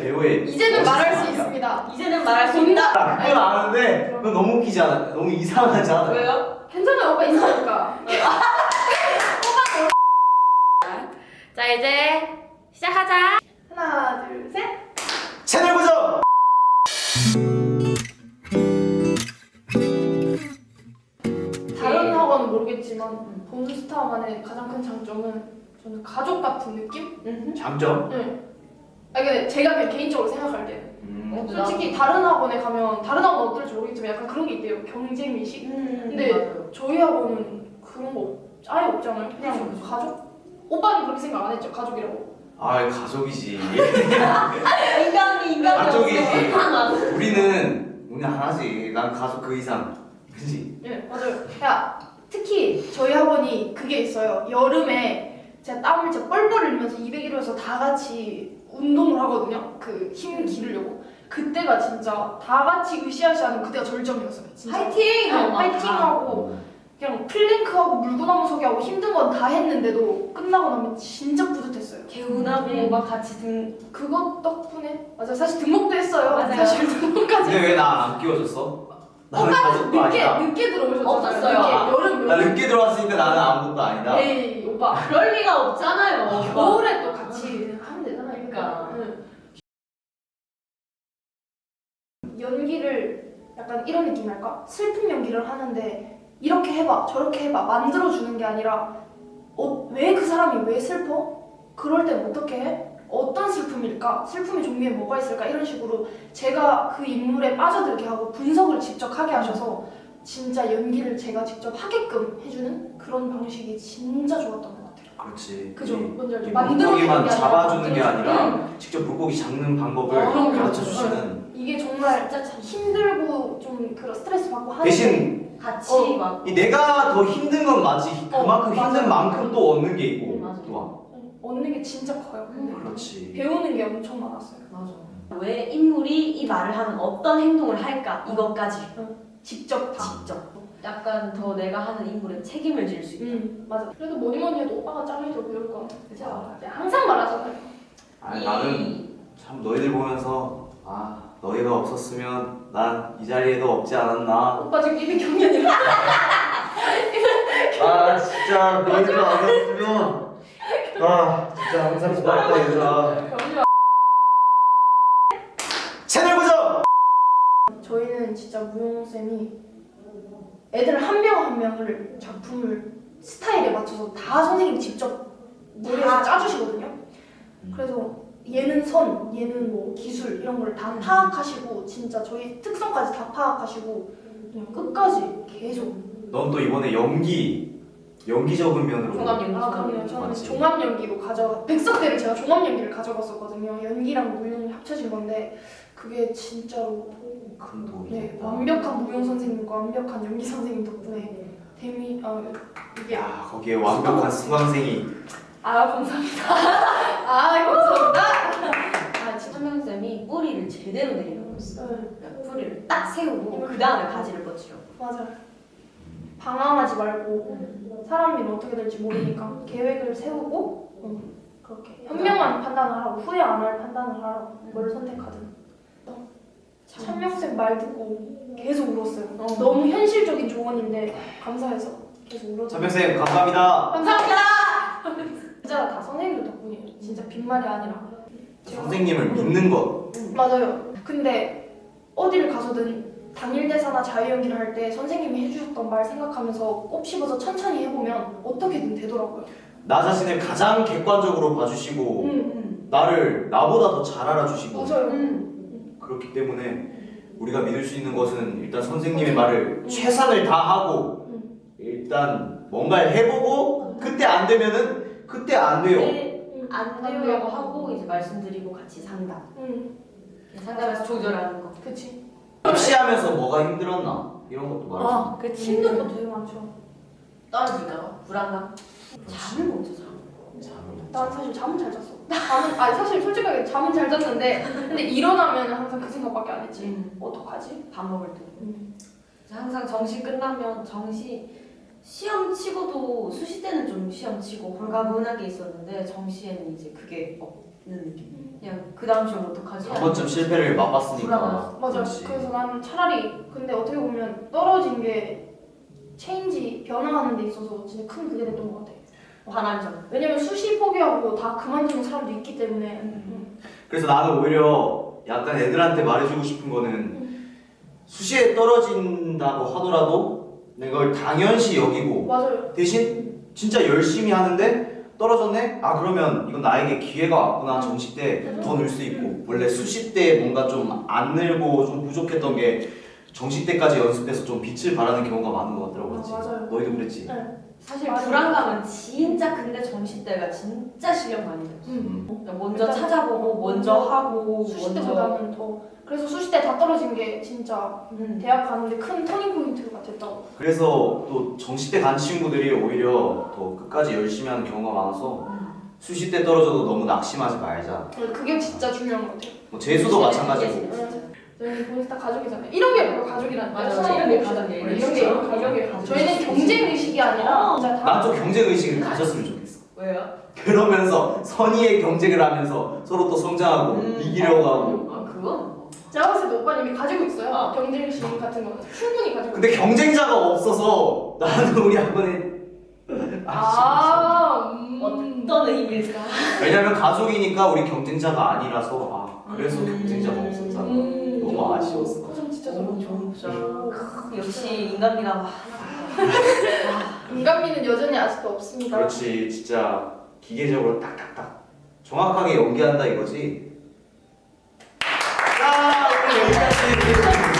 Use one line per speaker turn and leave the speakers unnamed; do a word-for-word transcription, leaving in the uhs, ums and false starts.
배우의
이제는 말할 수
멋있어.
있습니다.
이제는 말할 수 있다.
그건 아는데 그건 너무 웃기지 않아? 너무 이상하지 않아?
왜요?
괜찮아요. 오빠 이상하니까.
자 이제 시작하자.
하나, 둘, 셋.
채널 고정!
다른 학원은 모르겠지만 본스타만의 가장 큰 장점은 저는 가족 같은 느낌?
장점?
네. 아 근데 제가 그냥 개인적으로 생각할 때는
음.
솔직히 다른 학원에 가면 다른 학원 어떨지 모르겠지만 약간 그런 게 있대요. 경쟁 의식.
음,
근데
맞아요.
저희 학원은 그런 거 없- 아예 없잖아요. 그냥
그쵸, 그쵸.
가족? 오빠는 그렇게 생각 안 했죠? 가족이라고.
아 가족이지.
인간이 인간이
가족이지.
없어.
우리는 우리 하나지. 난 가족 그 이상. 그지?
네 맞아요. 야 특히 저희 학원이 그게 있어요. 여름에 제가 땀을 진짜 뻘뻘 흘리면서 이백 일호에서 다 같이 운동을 하거든요. 그 힘 기르려고. 그때가 진짜 다 같이 으쌰으쌰하는 그때가 절정이었어요. 진짜.
파이팅!
네,
하고 막
파이팅하고 그냥 플랭크하고 물구나무 서기 하고 힘든 건 다 했는데도 끝나고 나면 진짜 뿌듯했어요.
개운하고
네.
막 같이 등
그것 덕분에 맞아 사실 등록도 했어요.
맞아요.
사실 등록까지.
근데 왜 나 안 끼워줬어? 나는
오빠는
가족도
늦게
아니다.
늦게 들어오셨잖아요.
없었어요.
늦게,
아,
여름
나
여름.
늦게 들어왔으니까 나는 아무것도 아니다.
에이 오빠
그럴 리가 없잖아요.
겨울에 또 같이 하면 되잖아요.
그러니까.
응. 연기를 약간 이런 느낌이랄까? 슬픈 연기를 하는데 이렇게 해봐 저렇게 해봐 만들어주는 게 아니라 어, 왜 그 사람이 왜 슬퍼? 그럴 땐 어떻게 해? 어떤 슬픔일까? 슬픔의 종류에 뭐가 있을까? 이런 식으로 제가 그 인물에 빠져들게 하고 분석을 직접 하게 하셔서 진짜 연기를 제가 직접 하게끔 해주는 그런 방식이 진짜 좋았던 것 같아요.
그렇지.
그죠?
이-
뭔지 알죠?
이
만들어주는
물고기만
게 아니라
잡아주는 게
만들어주는
아니라 직접 물고기 잡는 방법을
어, 그럼요.
가르쳐 주시는.
이게 정말 진짜 참 힘들고 좀 그런 스트레스 받고 하는데
대신
같이
어.
막
이 내가 더 힘든 건 맞지.
어,
그만큼
맞아.
힘든 만큼 또 얻는 게 있고.
음, 맞아.
또
얻는 게 진짜 커요. 근데
그렇지.
배우는 게 엄청 많았어요.
맞아. 왜 인물이 이 말을 하면 어떤 행동을 할까 이것까지
직접 다.
직접. 약간 더 내가 하는 인물에 책임을 질 수 있다.
음 맞아. 그래도 뭐니 뭐니 해도 오빠가 짱이 더 배울 거.
그죠?
항상 말하잖아요.
아,
이-
나는 참 너희들 보면서 아 너희가 없었으면 난 이 자리에도 없지 않았나.
오빠 지금 입이 경련이야.
아 진짜 너희들 안 없으면 아 진짜 항상 고맙다 얘들아.
경련.
채널 고정.
저희는 진짜 무용 쌤이 애들 한 명 한 명을 작품을 스타일에 맞춰서 다 선생님이 직접 머리에서 짜주시거든요. 그래서 얘는 선, 얘는 뭐 기술 이런 걸 다 파악하시고 진짜 저희 특성까지 다 파악하시고 그냥 끝까지 계속.
넌 또 이번에 연기 연기적인 면으로.
종합 연기.
아 그럼요. 저는
맞지.
종합 연기로 가져 백석대를 제가 종합 연기를 가져갔었거든요. 연기랑 무용이 합쳐진 건데 그게 진짜로
큰 도움이
네
됐다.
완벽한 무용 선생님과 완벽한 연기 선생님 덕분에 데미 아 이게 아,
야 거기에 완벽한 수강생이.
아 감사합니다. 아 감사합니다. 아 진짜
천명쌤이 뿌리를 제대로 내리는 거였어.
네,
그러니까 뿌리를 딱 세우고 그 다음에 가지를 뻗치려.
맞아요. 방황하지 말고 사람 일은 어떻게 될지 모르니까 계획을 세우고 음, 그렇게 현명한 판단을 하라고 후회 안 할 판단을 하라고 뭘 선택하든. 천명쌤 말 듣고 계속 울었어요.
어.
너무 현실적인 조언인데 감사해서 계속 울었어요.
천명쌤 감사합니다.
감사합니다. 진짜 다 선생님들 덕분이에요. 진짜 빈말이 아니라.
선생님을 믿는 것.
맞아요. 근데 어디를 가서든 당일 대사나 자유연기를 할 때 선생님이 해주셨던 말 생각하면서 꼽 씹어서 천천히 해보면 어떻게든 되더라고요.
나 자신을 가장 객관적으로 봐주시고
음,
나를 나보다 더 잘 알아주시고
맞아요.
음.
그렇기 때문에 우리가 믿을 수 있는 것은 일단 선생님의 말을 최선을 다하고
음.
일단 뭔가를 해보고 그때 안 되면은 그때 안 돼요.
근데 안 되려고 하고 이제 말씀드리고 같이 상담.
응,
상담에서 조절하는 거.
그치.
입시하면서 뭐가 힘들었나 이런 것도 말해줘.
아, 그치.
힘든 거 되게 많죠.
떨어질까? 불안감? 잠을 못 자.
난 사실 잠은 잘 잤어. 잠은 아니 사실 솔직하게 잠은 잘 잤는데 근데 일어나면 항상 그 생각밖에 안 했지.
음.
어떡하지?
밥 먹을 때.
음.
항상 정시 끝나면 정시 시험 치고도 수시 때는 좀 시험 치고 홀가분하게 있었는데 정시에는 이제 그게 없, 느낌. 그냥 그 다음 시험 어떡하지?
한 번쯤 실패를 맛봤으니까.
불안하지.
맞아.
그렇지.
그래서 나는 차라리 근데 어떻게 보면 떨어진 게 체인지 변화하는 데 있어서 진짜 큰 그게 됐던 것 같아.
반환점.
왜냐면 수시 포기하고 다 그만두는 사람도 있기 때문에.
음.
그래서 나는 오히려 약간 애들한테 말해주고 싶은 거는 수시에 떨어진다고 하더라도 내가 그걸 당연시 여기고
맞아요.
대신 진짜 열심히 하는데 떨어졌네? 아 그러면 이건 나에게 기회가 왔구나. 정시 때 더 늘 수 있고 원래 수시 때 뭔가 좀 안 늘고 좀 부족했던 게 정시 때까지 연습해서 좀 빛을 발하는 경우가 많은 것 같더라고. 그렇지?
아, 맞아요.
너희도 그랬지?
네.
사실
맞아.
불안감은 진짜 근데 정시 때가 진짜 실력 많이 들었어.
음.
그러니까 먼저
일단
찾아보고 먼저 하고
수시
먼저.
때보다는 더 그래서 수시 때 다 떨어진 게 진짜
음.
대학 가는데 큰 터닝 포인트가 됐다고.
그래서 또 정시 때 간 친구들이 오히려 더 끝까지 열심히 하는 경우가 많아서 수시 때 떨어져도 너무 낙심하지 말자.
그게 진짜 중요한 것 같아요.
뭐 재수도 마찬가지고.
진짜.
저희는 보니까 가족이잖아요. 이런 게 바로 가족이라는
맞아,
거예요.
이런 게 가족이에요.
이런 게
진짜.
가족이에요.
가족.
저희는 경쟁 의식이 아니라 진짜 다.
난 좀 경쟁 의식을 가졌으면 좋겠어.
왜요?
그러면서 선의의 경쟁을 하면서 서로 또 성장하고
음.
이기려고 하고.
아 그건
제가 봤을 때 오빠는 이미 가지고 있어요.
어.
경쟁 의식 같은 거는 충분히 가지고.
근데 경쟁자가 없어서 나는 우리 학원에
아, 음.
어떤 의미일까?
왜냐면 가족이니까 우리 경쟁자가 아니라서 아 그래서
음.
경쟁자가 없었잖아.
음.
너무 아쉬웠어.
고생 진짜
너무
잘하고.
좋은 역시 인간미가
인간미는 여전히 아직도 없습니다.
그렇지 진짜 기계적으로 딱딱딱 정확하게 연기한다 이거지. 자 오늘 여기까지.